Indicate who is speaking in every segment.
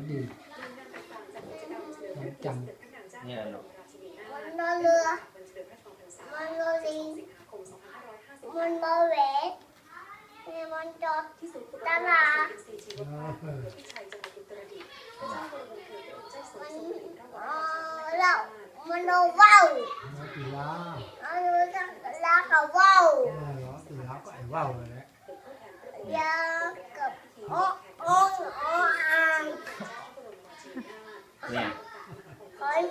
Speaker 1: ดีจำ
Speaker 2: เนี่ยหรอก
Speaker 3: มันรอเรือมันรอลิงมันรอแหวนเนี่ยมันจอดตลาดแล้วมันรอว่าว
Speaker 1: ตีลา
Speaker 3: มันรอลากับว่าว
Speaker 1: ตีลาก็ไอ้ว่าวเลยแหละ
Speaker 3: ยากับโอ้อ่าง
Speaker 2: เนี่ย
Speaker 3: คอย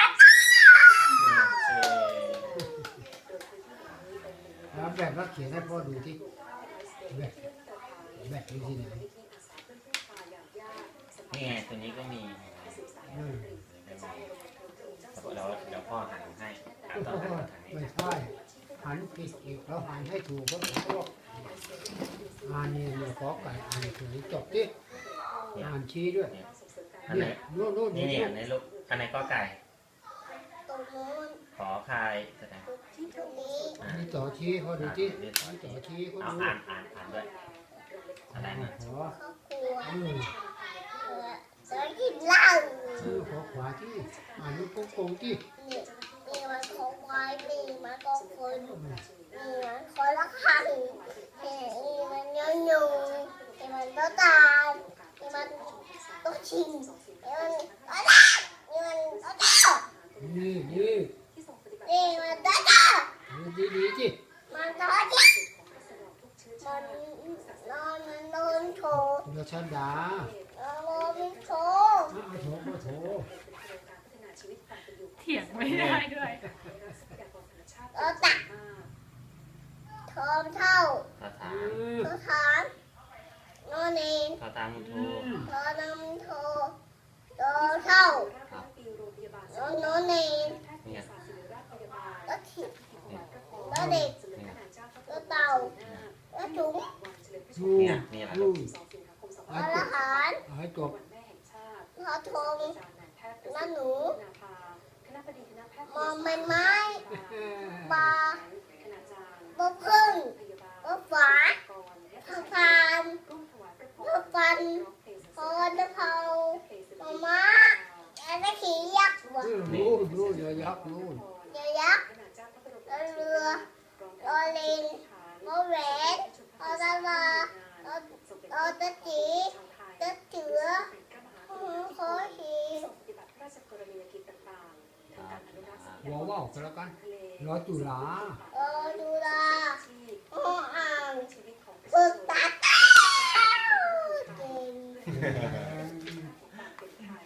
Speaker 1: แล้วแบบก็เขียนให้พ่อดูที่แบบดูที่ไหน
Speaker 2: นี่ไงตัวนี้ก็มีเดี๋ยวพ่อหันให้ต้องหันทางนี้
Speaker 1: ไม่ใช่หันผิดอีกแล้วหันให้ถูกก็พวกอ่านเนี่ยขอไก่อ่านถึงจบดิอ่านชี้ด้วย
Speaker 2: อันไหนนี่อันไหนลูกอันไหนก็ไก่ขอคายแสดง
Speaker 1: นี่ต่อชี้เขาดูที่ต่อชี้เขาดู
Speaker 2: อ่านด้วยอะไรนะ
Speaker 1: ขอ
Speaker 3: แล้วกินเหล้า
Speaker 1: ขอขวาที่อ่านลูกโกงที่
Speaker 3: นี่มันของไว้นี่มันก็คนนี่มันคนละคันนี่มันยนยุงนี่มันตัวตานี่มันตัวชิงนี่มันตัวตานี่มันตัวตา
Speaker 1: นี่
Speaker 3: มันตัวตา
Speaker 1: ดีจิ
Speaker 3: มันตัวตามันนอนโถ
Speaker 1: เราชันดา
Speaker 3: โถ
Speaker 1: โถ
Speaker 4: เถียงไม่ได้ด้วย
Speaker 3: ตัวตาทอมเท่าตัวฐานนอนเอง
Speaker 2: ขอตามมุทู
Speaker 3: ตัวนำโถตัวเท่านอนเองตัวถิตัวเด็กตัวเต่าตัวจุ๋ม
Speaker 1: ลูก
Speaker 3: ตัวละหาร
Speaker 1: ให้จบ
Speaker 3: ตัวทงตัวหนูมองเป็นไม้ปลาตัวพึ่งตัวฝาตัวพานตัวฟันตัวเผาตัวม้าอะไรขี่ยักษ์วะ
Speaker 1: รู้เดี๋ยวยักษ์รู้
Speaker 3: เดี๋ยวยักษ์ตัวเรือตัวลิงตัวแหวนตัวตะลาตัวตะจีตัวเสือโคชี
Speaker 1: ว้าวกันแล้วกันรอจุฬา
Speaker 3: จุฬาอ่างฝึกตัดเก่ง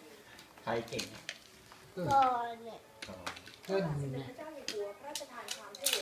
Speaker 2: ใครเก่ง
Speaker 3: ก่อนเนี่ย
Speaker 1: ต้นเนี่ย